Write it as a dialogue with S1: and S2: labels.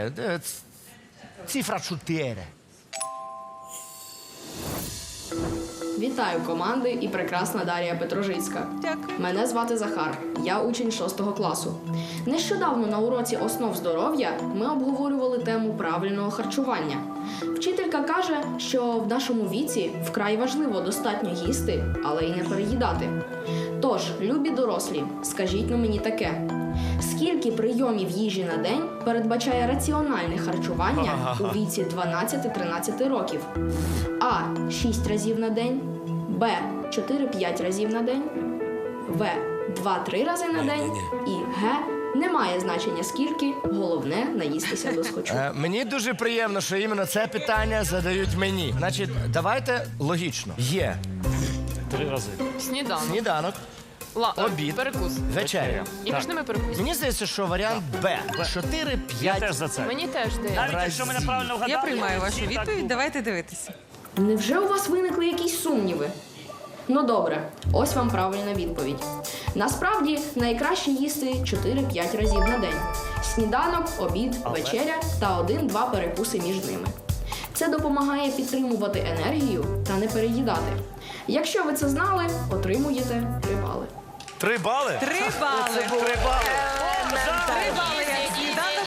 S1: Цифра 4.
S2: Вітаю команди і прекрасна Дар'я Петрожицька.
S3: Дякую.
S2: Мене звати Захар, я учень 6 класу. Нещодавно на уроці основ здоров'я ми обговорювали тему правильного харчування. Вчителька каже, що в нашому віці вкрай важливо достатньо їсти, але й не переїдати. Тож, любі дорослі, скажіть на мені таке. Скільки прийомів їжі на день передбачає раціональне харчування у віці 12-13 років? А. 6 разів на день, Б. 4-5 разів на день, В. 2-3 рази на день і Г. Немає значення скільки, головне наїстися досхочу.
S1: Мені дуже приємно, що іменно це питання задають мені. Значить, давайте логічно. Є
S4: 3 рази.
S1: сніданок, обід,
S5: перекус.
S1: вечеря.
S5: І між ними перекус.
S1: Мені здається, що варіант Б.
S4: Я
S1: 4-5.
S4: теж за це.
S5: Мені теж дає.
S4: Навіть якщо ми неправильно вгадали,
S3: Я приймаю вашу
S4: всі так
S3: відповідь.
S4: буде.
S3: Давайте дивитися.
S2: Невже у вас виникли якісь сумніви? Ну добре, ось вам правильна відповідь. Насправді, найкраще їсти 4-5 разів на день. Сніданок, обід, вечеря та 1-2 перекуси між ними. Це допомагає підтримувати енергію та не переїдати. Якщо ви це знали, отримуєте 3 бали.
S1: 3 бали?
S3: 3 бали.
S4: 3 бали.
S3: 3 бали.